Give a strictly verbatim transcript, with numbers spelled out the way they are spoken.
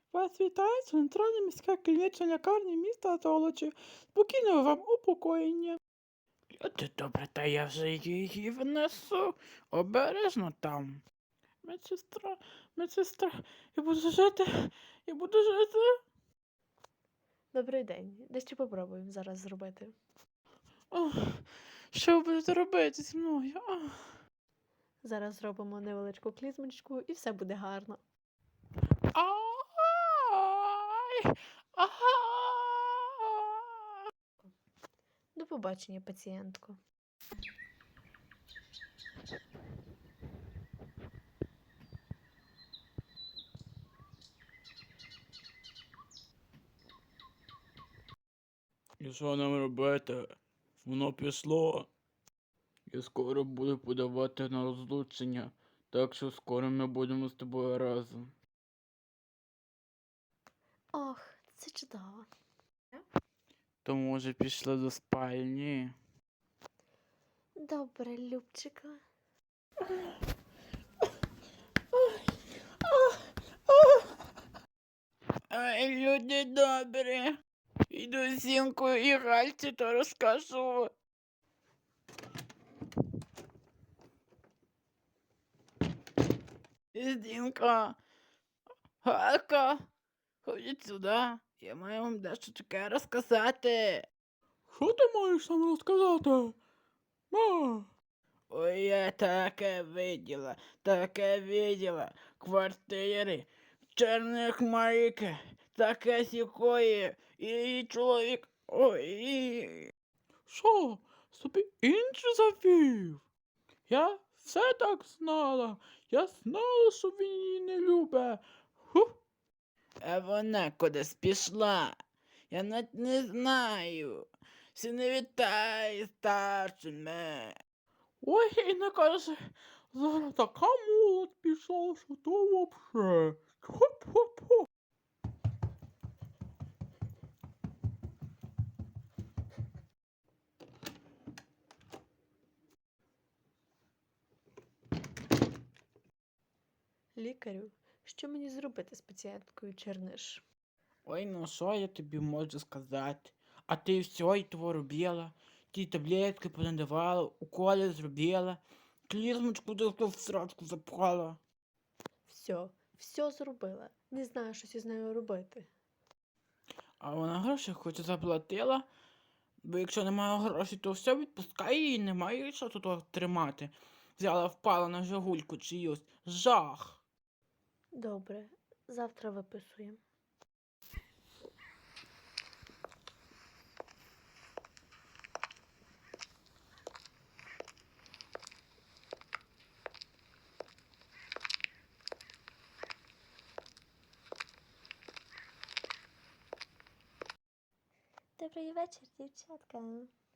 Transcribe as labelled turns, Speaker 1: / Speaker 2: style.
Speaker 1: Вас вітає центральна міська клінічна лікарня міста Золочів. Спокійного вам упокоєння. Люди добре, та я вже її внесу. Обережно там. Медсестра, медсестра, я буду жити, я буду жити.
Speaker 2: Добрий день. Дещо попробуємо зараз зробити.
Speaker 1: Ох, що ви будете робити зі мною? Ох.
Speaker 2: Зараз зробимо невеличку клізмочку і все буде гарно.
Speaker 1: Ай! Ай!
Speaker 2: До побачення, пацієнтко.
Speaker 1: І що нам робити? Воно пішло. Я скоро буду подавати на розлучення, так що скоро ми будемо з тобою разом.
Speaker 2: Ох, це чудово.
Speaker 1: То може пішли до спальні?
Speaker 2: Добре, Любчика.
Speaker 1: Ай, люди добрі. Іду Зінку і Гальці то розкажу. Зінка, Галька, ходіть сюди. Я маю вам дещо таке розказати. Що ти маєш нам розказати? Ма? Ой, я таке виділа, таке виділа. Квартири, чорних маріки, таке сікої, і її чоловік. Ой. Що, собі інше завів? Я все так знала. Я знала, що він її не любить. Ху. А вона кудись пішла. Я навіть не знаю. Всі не вітає старшими. Ой, і не каже, зараз така молодь пішла, що то вообще. Хоп-хоп-хоп.
Speaker 2: Лікарю, що мені зробити з пацієнткою Черниш?
Speaker 1: Ой, ну що я тобі можу сказати? А ти все і того робила. Ті таблетки понадавала, уколи зробила, клізмочку десь в срачку запхала.
Speaker 2: Все, все зробила. Не знаю, що зі нею робити.
Speaker 1: А вона гроші хоч і заплатила, бо якщо немає грошей, то все відпускай її, немає що тут тримати. Взяла, впала на жагульку чиюсь. Жах.
Speaker 2: Добре, завтра виписуємо. Добрий вечір, дівчатка.